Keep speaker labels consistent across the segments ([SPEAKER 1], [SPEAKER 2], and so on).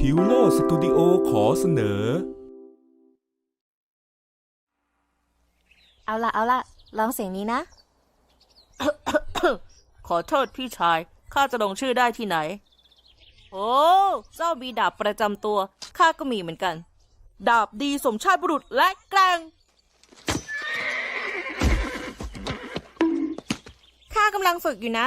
[SPEAKER 1] พิวโลสตูดิโอขอเสนอ
[SPEAKER 2] เอาล่ะลองเสียงนี้นะ
[SPEAKER 3] ขอโทษพี่ชาย ข้าจะลงชื่อได้ที่ไหน โอ้ เจ้ามีดาบประจำตัว ข้าก็มีเหมือนกัน ดาบดีสมชาติบุรุษและแกร่ง
[SPEAKER 2] ข้ากำลังฝึกอยู่นะ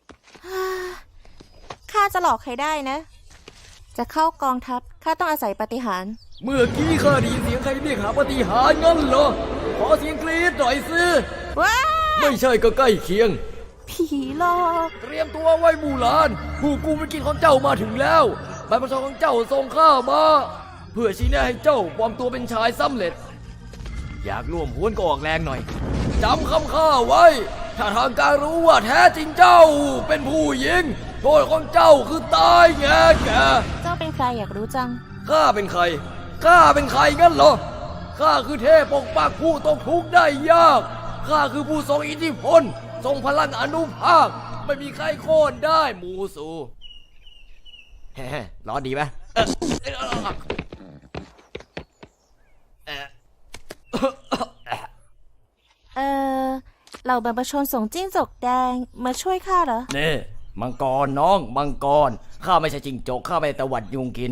[SPEAKER 2] ข้าจะหลอกใครได้นะ จะเข้ากองทัพข้าต้องอาศัยปาฏิหาริย์
[SPEAKER 4] เมื่อกี้ข้าได้ยินเสียงใครเรียกหาปาฏิหาริย์งั้นเหรอ ขอเสียงกรี๊ดหน่อยสิ
[SPEAKER 2] ว้า
[SPEAKER 4] ไม่ใช่ก็ใกล้เคียง
[SPEAKER 2] ผีหลอก
[SPEAKER 4] เตรียมตัวไว้หมู่หลาน ผู้กูไม่กินของเจ้ามาถึงแล้วใบประชาของเจ้าส่งข้ามา เพื่อชี้แนะให้เจ้าปลอมตัวเป็นชายสำเร็จ อยากร่วมหุ้นก็ออกแรงหน่อยจำคำข้าไว้ ถ้าทางการรู้ว่าแท้จริงเจ้าเป็นผู้หญิงโทษของเจ้าคือตายแง่แก
[SPEAKER 2] เจ้าเป็นใครอยากรู้จัง
[SPEAKER 4] ข้าเป็นใคร ข้าเป็นใครงั้นเหรอ ข้าคือเทพปกปักผู้ตกทุกข์ได้ยาก ข้าคือผู้ทรงอิทธิพล ทรงพลังอนุภาค ไม่มีใครโค่นได้มูสูเฮ้ร้อนดีไหม
[SPEAKER 2] เหล่าบรรพชนส่งจิ้งจกแดงมาช่วยข้าเหรอ
[SPEAKER 4] นี่มังกรน้องมังกร ข้าไม่ใช่จิงจก ข้าไม่ได้ตวัดยุงกิน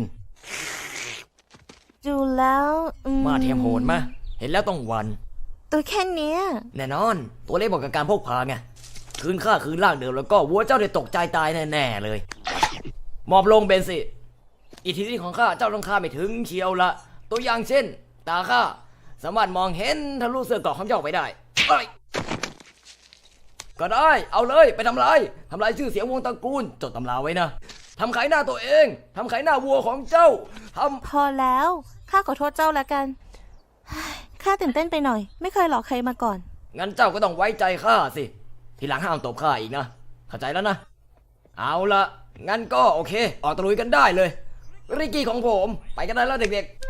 [SPEAKER 2] ดูแล้ว
[SPEAKER 4] มาเทียมโหดมะเห็นแล้วต้องหวัน
[SPEAKER 2] ตัวแค่เนี้ย
[SPEAKER 4] แน่นอน ตัวเล็กบอกกับการพกพาไง คืนข้าคืนร่างเดิมแล้วก็วัวเจ้าได้ตกใจตายแน่ๆเลย หมอบลงเบนสิอิทธิฤทธิ์ของข้าเจ้าต้องข้าไม่ถึงเชียวละ ตัวอย่างเช่น ตาข้าสามารถมองเห็นทะลุเสื้อเกราะของเจ้าไปได้เอ้ยก็ได้เอาเลยไปทำลายชื่อเสียงวงตระกูลจดตำราไว้นะทำขายหน้าตัวเองทำขายหน้าวัวของเจ้า
[SPEAKER 2] พอแล้วข้าขอโทษเจ้าละกัน ข้าตื่นเต้นไปหน่อยไม่เคยหลอกใครมาก่อน
[SPEAKER 4] งั้นเจ้าก็ต้องไว้ใจข้าสิทีหลังห้ามตบข้าอีกนะเข้าใจแล้วนะเอาละงั้นก็โอเคออกตะลุยกันได้เลยริกกี้ของผมไปกันได้แล้วเด็กๆ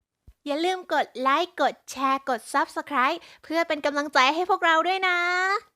[SPEAKER 5] อย่าลืมกดไลค์ กดแชร์ กด Subscribe เพื่อเป็นกำลังใจให้พวกเราด้วยนะ